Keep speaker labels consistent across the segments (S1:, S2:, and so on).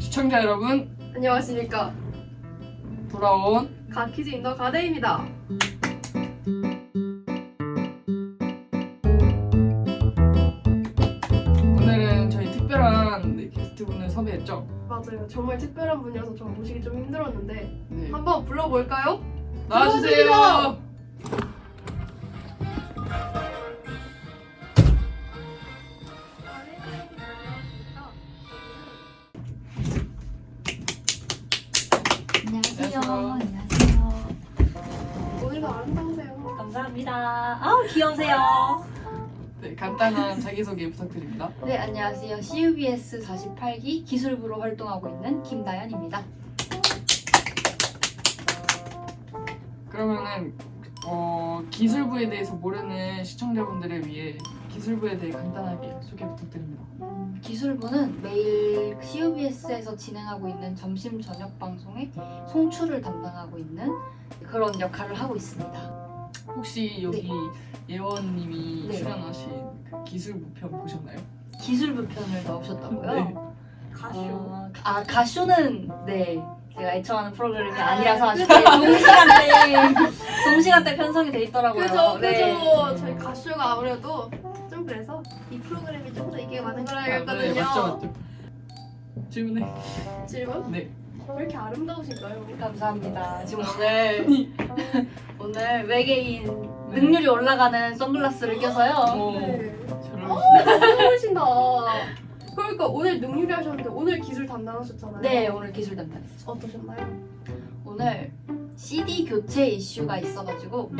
S1: 시청자 여러분,
S2: 안녕하십니까.
S1: 돌아온
S2: 가키즈 인더 가데입니다.
S1: 오늘은 저희 특별한 게스트분을 섭외했죠.
S2: 맞아요. 정말 특별한 분이어서 저 모시기 좀 힘들었는데
S1: 네.
S2: 한번 불러볼까요?
S1: 나와주세요.
S3: 안녕하세요.
S1: 안녕하세요.
S3: 안녕하세요.
S2: 오늘도 아름다우세요.
S3: 감사합니다. 아우 귀여우세요.
S1: 네, 간단한 자기소개 부탁드립니다.
S3: 네, 안녕하세요. CUBS 48기 기술부로 활동하고 있는 김다연입니다.
S1: 그러면은 기술부에 대해서 모르는 시청자분들을 위해 기술부에 대해 간단하게 소개 부탁드립니다.
S3: 기술부는 매일 CUBS에서 진행하고 있는 점심 저녁 방송의 송출을 담당하고 있는 그런 역할을 하고 있습니다.
S1: 혹시 여기 예원님이
S3: 네.
S1: 출연하신 그 기술부 편 보셨나요?
S3: 기술부 편을 넣으셨다고요?
S1: 네.
S2: 가쇼.
S3: 가쇼는 네. 제가 애청하는 프로그램이
S2: 아,
S3: 아니라서 아직
S2: 그죠.
S3: 동시간대 편성이 돼 있더라고요.
S2: 그죠,
S3: 네.
S2: 그죠. 저희 가쇼가 아무래도 좀 그래서 이 프로그램이 좀 더 이게 많은 걸
S1: 네,
S2: 알겠거든요.
S1: 맞죠. 질문해.
S2: 질문?
S1: 네.
S2: 왜 이렇게 아름다우신가요?
S3: 감사합니다. 지금 오늘 외계인 능률이 올라가는 선글라스를 껴서요.
S2: 네.
S1: 잘
S2: 너무 어울리신다. 그러니까 오늘 능률이 하셨는데 오늘 기술 담당하셨잖아요.
S3: 네, 오늘 기술 담당했죠.
S2: 어떠셨나요?
S3: 오늘 CD 교체 이슈가 있어가지고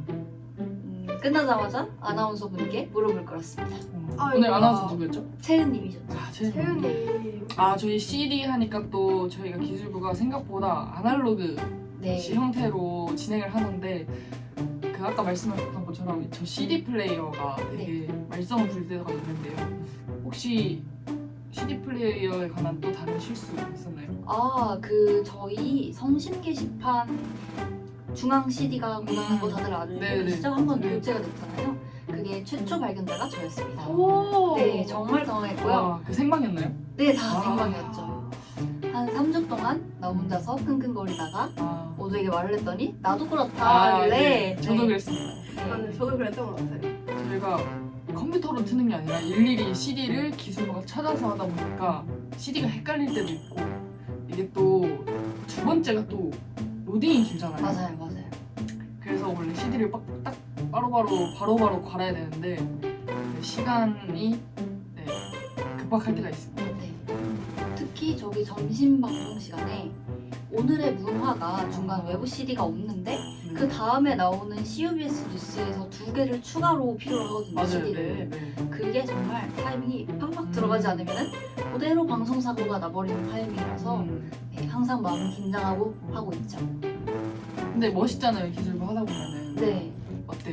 S3: 끝나자마자 아나운서 분께 무릎을 꿇었습니다.
S2: 아이고.
S1: 오늘 아나운서 누구였죠?
S3: 채은님이셨죠.
S1: 아, 채은님.
S2: 세윤님.
S1: 저희 CD 하니까 또 저희가 기술부가 생각보다 아날로그
S3: 네.
S1: 형태로 진행을 하는데 그 아까 말씀하셨던 것처럼 저 CD 플레이어가 되게 말썽을 부릴 때가 있는데요. 혹시 CD 플레이어에 관한 또 다른 실수 있었나요?
S3: 저희 성심 게시판 중앙 CD가 고장난 거 다들 알고
S1: 네네.
S3: 계시죠? 한번
S1: 네.
S3: 교체가 됐잖아요. 그게 최초 발견자가 저였습니다.
S2: 오.
S3: 네, 정말 당황했고요.
S1: 와, 그 생방이었나요?
S3: 네, 다
S1: 아.
S3: 생방이었죠. 한 3주 동안 나 혼자서 끙끙거리다가
S1: 아,
S3: 모두에게 말을 했더니 나도 그렇다 하길래
S1: 네. 저도 그랬습니다.
S2: 네, 저도 그랬던 것 같아요.
S1: 저희가 컴퓨터로 트는 게 아니라 일일이 CD를 기술부가 찾아서 하다 보니까 CD가 헷갈릴 때도 있고 이게 또 두 번째가 또 로딩이 길잖아요.
S3: 맞아요.
S1: 그래서 원래 CD를 딱 바로바로 갈아야 되는데 시간이 급박할 때가 있습니다.
S3: 네. 특히 저기 점심 방송 시간에 오늘의 문화가 중간 외부 CD가 없는데 그 다음에 나오는 CUBS 뉴스에서 2개를 추가로 필요로 하거든요.
S1: 맞아요.
S3: CD를. 그게 정말 타이밍이 팍팍 들어가지 않으면 그대로 방송 사고가 나버리는 타이밍이라서 네, 항상 마음이 긴장하고 하고 있죠.
S1: 근데 멋있잖아요. 기술부 하다 보면은.
S3: 네,
S1: 어때요?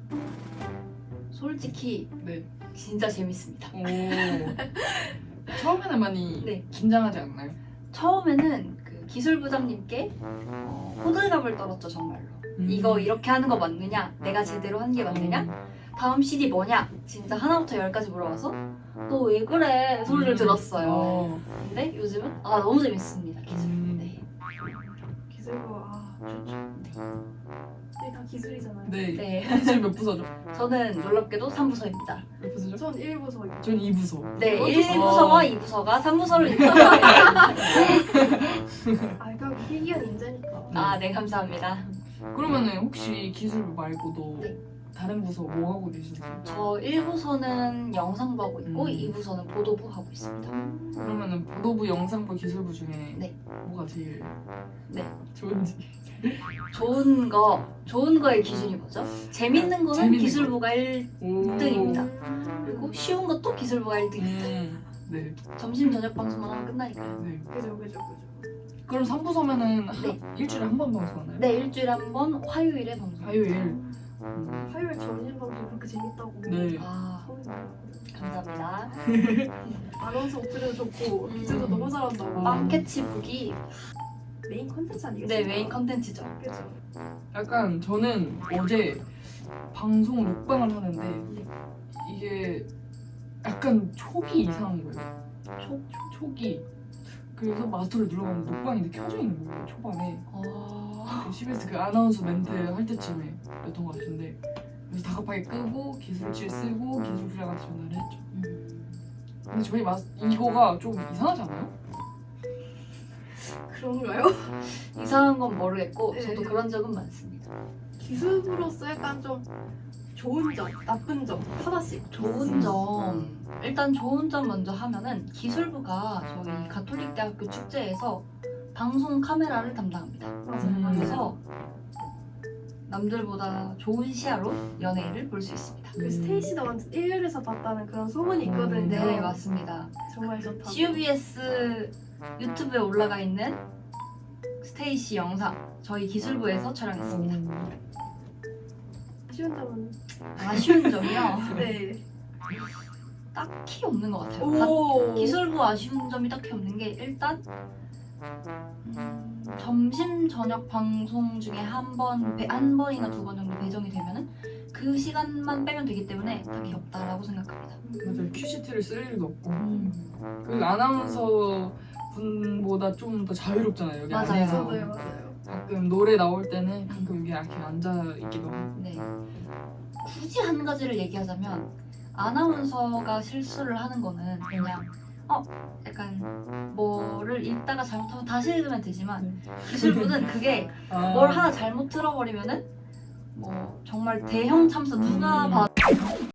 S3: 솔직히
S1: 네.
S3: 진짜 재밌습니다.
S1: 오. 처음에는 많이
S3: 네.
S1: 긴장하지 않나요?
S3: 처음에는 그 기술부장님께 호들갑을 떨었죠, 정말로. 이거 이렇게 하는 거 맞느냐? 내가 제대로 하는 게 맞느냐? 다음 CD 뭐냐? 진짜 하나부터 열까지 물어봐서 너 왜 그래? 소리를 들었어요. 근데 요즘은 너무 재밌습니다, 기술. 네.
S2: 기술부 좋죠. 네, 다 기술이잖아요.
S1: 네.
S3: 네.
S1: 기술 몇 부서죠?
S3: 저는 놀랍게도 3부서입니다.
S1: 몇 부서죠?
S2: 전 1부서.
S1: 전 2부서.
S3: 네,
S2: 어,
S3: 1부서와 2부서가 3부서를 이끌어가요.
S2: 그냥 희귀한 인재니까.
S3: 네, 감사합니다.
S1: 그러면은 혹시 기술부 말고도
S3: 네.
S1: 다른 부서 뭐 하고 계시나요?
S3: 저 1부서는 영상부 하고 있고
S1: 음.
S3: 2부서는 보도부 하고 있습니다.
S1: 그러면은 보도부, 영상부, 기술부 중에
S3: 네.
S1: 뭐가 제일
S3: 네.
S1: 좋은지.
S3: 좋은 거의 기준이 뭐죠? 재밌는 거는
S1: 재밌는
S3: 기술부가
S1: 오.
S3: 1등입니다. 그리고 쉬운 것도 기술부가 1등입니다.
S1: 네.
S3: 점심 저녁 방송만 하면 끝나니까요.
S1: 네.
S2: 그죠.
S1: 그럼 3부서면은
S3: 네.
S1: 일주일에 한 번 방송하나요?
S3: 네, 일주일에 한 번 화요일에 방송.
S1: 화요일.
S2: 화요일 점심 방송 그렇게 재밌다고.
S1: 네.
S2: 처음에 말했거든요.
S3: 감사합니다.
S2: 아나운서 목소리도 좋고 기술도 너무 잘한다고.
S3: 빵캐치북이
S2: 메인 컨텐츠 아니겠어요?
S3: 네, 메인 컨텐츠죠.
S2: 그죠.
S1: 약간 저는 어제 방송 녹방을 하는데 이게 약간 촉이 이상한 거예요. 촉이 그래서 마스터를 눌러봤는데 녹방이 이렇게 켜져 있는 거예요 초반에.
S3: 어...
S1: CBS 그 아나운서 멘트 할 때쯤에 였던 것 같은데, 그래서 다급하게 끄고 기술실 쓰고 기술실한테 전화를 했죠. 근데 저희 이거가 좀 이상하지 않아요?
S2: 그런가요?
S3: 이상한 건 모르겠고
S2: 네.
S3: 저도 그런 적은 많습니다.
S2: 기술부로서 약간 좀 좋은 점, 나쁜 점 하나씩.
S3: 좋은 점, 일단 좋은 점 먼저 하면은 기술부가 저희 가톨릭대학교 축제에서 방송 카메라를 담당합니다.
S2: 맞아요.
S3: 그래서 남들보다 좋은 시야로 연예인을 볼 수 있습니다.
S2: 그 스테이시도 완전 1열에서 봤다는 그런 소문이 있거든요.
S3: 네, 맞습니다.
S2: 정말 좋다.
S3: CUBS 유튜브에 올라가 있는 스테이시 영상 저희 기술부에서 촬영했습니다.
S2: 쉬운 점은
S3: 아쉬운 점이요?
S2: 네.
S3: 딱히 없는 것 같아요.
S2: 오.
S3: 기술부 아쉬운 점이 딱히 없는 게 일단 점심 저녁 방송 중에 한 번이나 두 번 정도 배정이 되면은 그 시간만 빼면 되기 때문에 딱히 없다라고 생각합니다.
S1: 맞아요. 큐시트를 쓸 일도 없고 그 아나운서 분보다 좀 더 자유롭잖아요. 여기
S3: 맞아요.
S1: 안에서.
S2: 맞아요.
S1: 가끔 노래 나올 때는 가끔 여기 이렇게 앉아 있기도 하고.
S3: 네. 굳이 한 가지를 얘기하자면 아나운서가 실수를 하는 거는 그냥 약간 뭐를 읽다가 잘못하면 다시 읽으면 되지만 기술부는 그게 뭘 하나 잘못 들어버리면은 뭐 정말 대형 참사 누가 봐도